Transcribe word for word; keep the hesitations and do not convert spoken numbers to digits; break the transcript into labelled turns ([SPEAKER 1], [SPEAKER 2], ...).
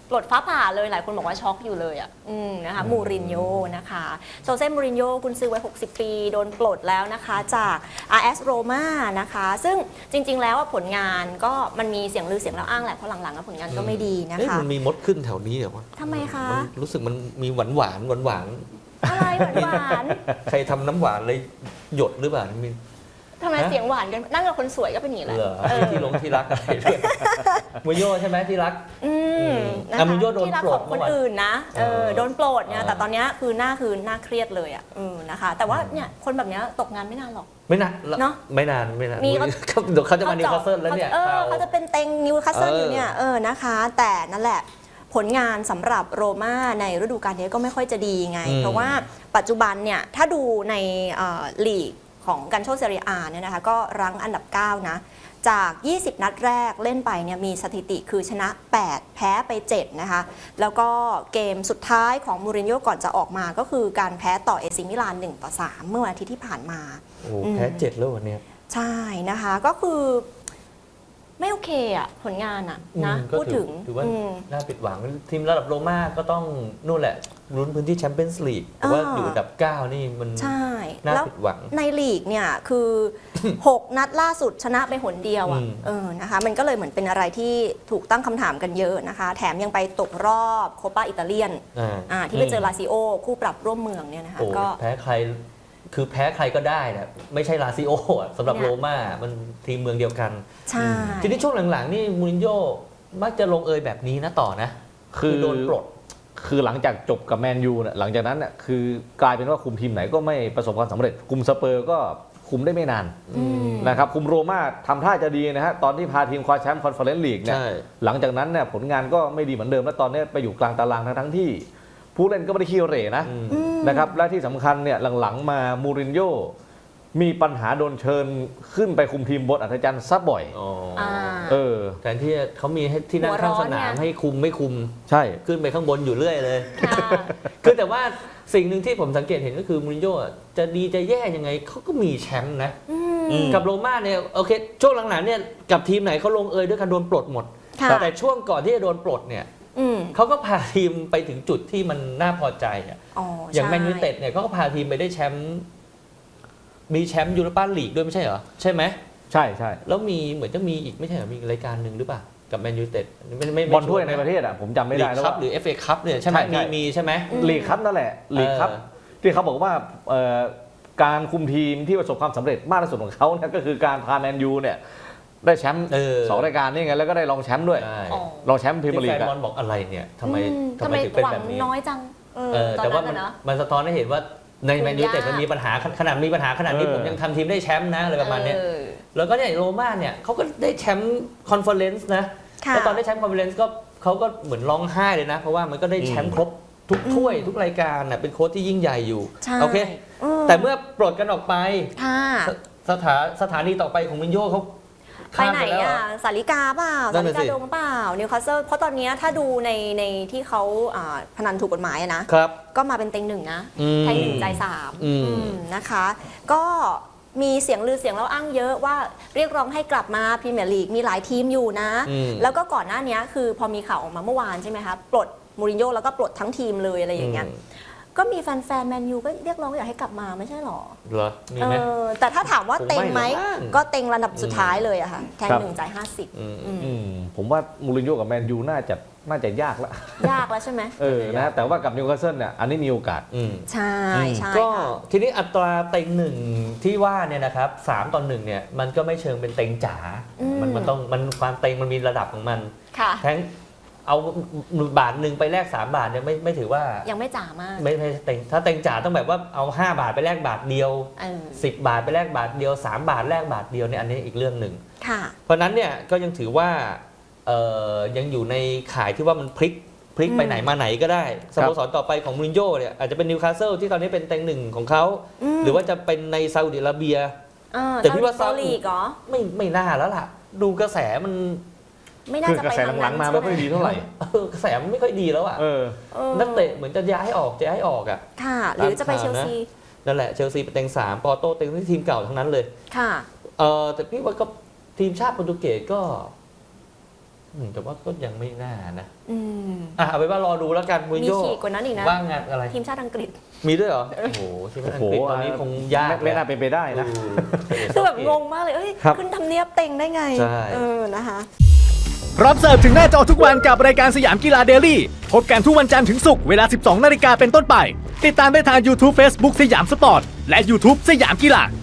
[SPEAKER 1] ปลดฟ้าผ่าเลยหลายคนบอกว่าช็อกอยู่เลยอ่ะอืมนะคะมูรินโญ่นะคะโซเซ่มูรินโญ่กุนซือวัยหกสิบปีโดนปลดแล้วนะคะจาก อาร์ เอส Roma นะคะซึ่งจริงๆแล้วผลงานก็มันมีเสียงลือเสียงเล่าอ้างแหละเพราะหลังๆผลงานก็ไม่ดีนะคะ
[SPEAKER 2] มันมีมดขึ้นแถวนี้เหรอวะ
[SPEAKER 1] ทำไมคะ
[SPEAKER 2] รู้สึกมันมีหวานหวานหวานหวาน
[SPEAKER 1] อะไรหวาน
[SPEAKER 2] ใครทำน้ำหวานเลยหยดหรือเปล่ามี
[SPEAKER 1] ทำไมเสียงหวานกันนั่งกับคนสวยก็เป็นอย่างนี้แหละ
[SPEAKER 2] ที่ลงที่รักอะไรด้วยมูรินโญ่ใช่ไหมที่รัก
[SPEAKER 1] อืมนะคะ
[SPEAKER 2] มูรินโญ่โดนปลด
[SPEAKER 1] ของคนอื่นนะเออโดนปลดเนี่ยแต่ตอนนี้คือหน้าคือหน้าเครียดเลยอ่ะเออนะคะแต่ว่าเนี่ยคนแบบนี้ตกงานไม่นานหรอก
[SPEAKER 2] ไม่นาน
[SPEAKER 1] เนาะ
[SPEAKER 2] ไม่นานไม่นานเดี๋ยวเขาจะมานิวคาสเซิลแล้วเนี่ย
[SPEAKER 1] เขาจะเป็นเต็งนิวคาสเซิลอยู่เนี่ยเออนะคะแต่นั่นแหละผลงานสำหรับโรม่าในฤดูกาลนี้ก็ไม่ค่อยจะดีไงเพราะว่าปัจจุบันเนี่ยถ้าดูในลีกของกันโชเซเรียอาเนี่ยนะคะก็รั้งอันดับเก้านะจากยี่สิบนัดแรกเล่นไปเนี่ยมีสถิติคือชนะแปดแพ้ไปเจ็ดนะคะแล้วก็เกมสุดท้ายของมูรินโญ่ก่อนจะออกมาก็คือการแพ้ต่อเอซิมิลานหนึ่งต่อสามเมื่อวันอาทิตย์ที่ผ่านมา
[SPEAKER 2] โอ้แพ้เจ็ดแล้ววันนี้
[SPEAKER 1] ใช่นะคะก็คือไม่โอเคอ่ะผลงานอ่ะนะพูดถึง
[SPEAKER 2] ถือว่าน่าผิดหวังทีมระดับโรม่าก็ต้องนู่นแหละลุ้นพื้นที่แชมเปี้ยนส์ลีกแต่ว่าอยู่อันดับเก้านี่มันน่าผิดหวัง
[SPEAKER 1] ในลีกเนี่ยคือหกนัดล่าสุดชนะไปหนเดียวอ่ะเออนะคะมันก็เลยเหมือนเป็นอะไรที่ถูกตั้งคำถามกันเยอะนะคะแถมยังไปตกรอบโคปาอิตาเลียนที่ไปเจอลาซิโอคู่ปรับร่วมเมืองเนี่ยนะคะ
[SPEAKER 2] ก็แพ้ใครคือแพ้ใครก็ได้นะไม่ใช่ลาซิโอสำหรับโรม่ามันทีมเมืองเดียวกัน
[SPEAKER 1] ใช่
[SPEAKER 2] ทีนี้ช่วงหลังๆนี่มูรินโญ่มักจะลงเอยแบบนี้นะต่อนะคือโดนปลด
[SPEAKER 3] คือหลังจากจบกับแมนยูเนี่ยหลังจากนั้นเนี่ยคือกลายเป็นว่าคุมทีมไหนก็ไม่ประสบความสำเร็จคุมสเปอร์ก็คุมได้ไม่นานนะครับคุมโรม่าทำท่าจะดีนะฮะตอนที่พาทีมคว้าแชมป์คอนเฟอเรนซ์ลีกเนี่ยหลังจากนั้นเนี่ยผลงานก็ไม่ดีเหมือนเดิมแล้วตอนนี้ไปอยู่กลางตารางทั้งที่ผู้เล่นก็ไม่ได้ขี้เหร่นะนะครับและที่สำคัญเนี่ยหลังๆมามูรินโญ่มีปัญหาโดนเชิญขึ้นไปคุมทีมบนอัศจรรย์ซับบ่อยเออ
[SPEAKER 2] แทนที่เขามีให้ที่นั่งข้างสนามให้คุมไม่คุม
[SPEAKER 3] ใช่
[SPEAKER 2] ขึ้นไปข้างบนอยู่เรื่อยเลยคือแต่ว่าสิ่งหนึ่งที่ผมสังเกตเห็นก็คือมูรินโญ่จะดีจะแย่ยังไงเขาก็มีแชมป์นะกับโรม่าเนี่ยโอเคช่วงหลังๆเนี่ยกับทีมไหนเขาลงเอยด้วยการโดนปลดหมดแต่ช่วงก่อนที่จะโดนปลดเนี่ยเขาก็พาทีมไปถึงจุดที่มันน่าพอใจอ่ะอย่างแมนยูไนเต็ดเนี่ยเขาก็พาทีมไปได้แชมป์มีแชมป์ยูโรปาลีกด้วยไม่ใช่เหรอใช่ไหม
[SPEAKER 3] ใช่ใช่
[SPEAKER 2] แล้วมีเหมือนจะมีอีกไม่ใช่เหรอมีรายการหนึ่งหรือเปล่ากับแมนยูไนเต็ด
[SPEAKER 3] บอลถ้วยในประเทศอ่ะผมจำไม่ได้
[SPEAKER 2] แล้วหรือ เอฟ เอ คัพเนี่ยใช่ไหมมีมีใช่ไหม
[SPEAKER 3] ลีกคัพนั่นแหละลีกคัพที่เขาบอกว่าการคุมทีมที่ประสบความสำเร็จมากที่สุดของเขาเนี่ยก็คือการพาแมนยูเนี่ยได้แชมป์สองรายการนี่ไงแล้วก็ได้รองแชมป์ด้วยรองแชมป์พรีเมียร์ลีก
[SPEAKER 2] แฟนบอลบอกอะไรเนี่ยทำไมทำไมถึงเป็นแบบนี้
[SPEAKER 1] น้อยจัง
[SPEAKER 2] แต่ว่ามันสะท้อนให้เห็นว่าในแมนยูแต่มันมีปัญหาขนาดมีปัญหาขนาดนี้ผมยังทำทีมได้แชมป์นะอะไรประมาณนี้แล้วก็เนี่ยโรม่าเนี่ยเขาก็ได้แชมป์คอนเฟอเรนซ์นะแล้วตอนได้แชมป์คอนเฟอเรนซ์ก็เขาก็เหมือนร้องไห้เลยนะเพราะว่ามันก็ได้แชมป์ครบทุกถ้วยทุกรายการน่ะเป็นโค้ชที่ยิ่งใหญ่อยู่โอเคแต่เมื่อปลดกันออกไปสถาสถานีต่อไปของมูรินโญ่เขา
[SPEAKER 1] ไปไหนอ่ะสาริกาเปล่าสาริกาดงเปล่านิวคาสเซิลเพราะตอนนี้ถ้าดูในในที่เขาพนันถูกกฎหมายนะก็มาเป็นเต็งหนึ่งนะแทงหนึ่งใจสามนะคะก็มีเสียงลือเสียงเล่าอ้างเยอะว่าเรียกร้องให้กลับมาพรีเมียร์ลีกมีหลายทีมอยู่นะแล้วก็ก่อนหน้านี้คือพอมีข่าวออกมาเมื่อวานใช่ไหมคะปลดมูรินโญ่แล้วก็ปลดทั้งทีมเลยอะไรอย่างเงี้ยก็มีแฟนๆแมนยูก็เรียกร้องอยากให้กลับมาไม่ใช่หรอ
[SPEAKER 2] เหรอมีไหม
[SPEAKER 1] แต่ถ้าถามว่าเต็งไหมก็เต็งระดับสุดท้ายเลยอะค่ะแทงหนึ่งจ่ายห้าสิบ
[SPEAKER 3] ผมว่ามูรินโญ่กับแมนยูน่าจะน่าจะยากละ
[SPEAKER 1] ยากแล้วใช่ไหม
[SPEAKER 3] เออนะแต่ว่ากับนิวคาสเซิลเนี่ยอันนี้มีโอกาส
[SPEAKER 1] ใช่ใช่
[SPEAKER 2] ก็ทีนี้อัตราเต็งหนึ่งที่ว่าเนี่ยนะครับสามต่อหนึ่งเนี่ยมันก็ไม่เชิงเป็นเต็งจ๋ามันมันต้องมันความเต็งมันมีระดับของมันแทงเอาบาทหนึ่งไปแลกสามบาทเนี่ยไม่ไม่ถือว่า
[SPEAKER 1] ยังไม่จ๋ามาก
[SPEAKER 2] ไม่ไม่เต็งถ้าเต็งจ๋าต้องแบบว่าเอาห้าบาทไปแลกบาทเดียวสิบบาทไปแลกบาทเดียวสามบาทแลกบาทเดียวเนี่ยอันนี้อีกเรื่องหนึ่งเพราะนั้นเนี่ยก็ยังถือว่าเอ่อยังอยู่ในข่ายที่ว่ามันพลิกพลิกไปไหนมาไหนก็ได้สโมสรต่อไปของมูรินโญ่เนี่ยอาจจะเป็นนิวคาสเซิลที่ตอนนี้เป็นเต็งหนึ่งของเขาหรือว่าจะเป็นในซาอุดิอาระเบีย
[SPEAKER 1] แต่พี่ว่าซาอุดิ
[SPEAKER 2] ไม่ไม่น่าแล้วล่ะดูกระแสมัน
[SPEAKER 1] ไม่น่าจะไปทางนั้น
[SPEAKER 3] หลังๆมาไม่ค่อยดีเท่าไหร่
[SPEAKER 2] กระแสมันไม่ค่อยดีแล้วอ่ะนักเตะเหมือนจะย้ายออกจะย้ายออกอ่ะ
[SPEAKER 1] ค่ะหรือจะไปเชลซี
[SPEAKER 2] นั่นแหละเชลซีเป็นเต็งสามปอร์โตเต็งที่ทีมเก่าทั้งนั้นเลย
[SPEAKER 1] ค่ะ
[SPEAKER 2] เออแต่พี่ว่าก็ทีมชาติโปรตุเกสก็อืมแต่ว่าก็ยังไม่น่านะ
[SPEAKER 1] อืม
[SPEAKER 2] อ่ะเอาไปนว่ารอดูแล้วกันมูริน
[SPEAKER 1] มี
[SPEAKER 2] โญ่
[SPEAKER 1] ขีดกว่านั้นอีกนะ
[SPEAKER 2] ว่างงานอะไร
[SPEAKER 1] ทีมชาติอังกฤษ
[SPEAKER 2] มีด้วยเหรอโอ้โหทีมชาติอังกฤษตอนนี้คงยาก
[SPEAKER 3] ไม่ไม่น่าเป็นไปได้นะ
[SPEAKER 1] คือแบบงงมากเลยเอ้ย
[SPEAKER 3] ครับ
[SPEAKER 1] ขึ้นทำเนียบเต็งได้ไง
[SPEAKER 2] ใช่
[SPEAKER 1] เออนะคะ
[SPEAKER 4] พร้อมเสิร์ฟถึงหน้าจอทุกวันกับรายการสยามกีฬาเดลี่พบกันทุกวันจันทร์ถึงศุกร์เวลา สิบสองนาฬิกาเป็นต้นไป ติดตามได้ทาง YouTube Facebook สยามสปอร์ต และ YouTube สยามกีฬา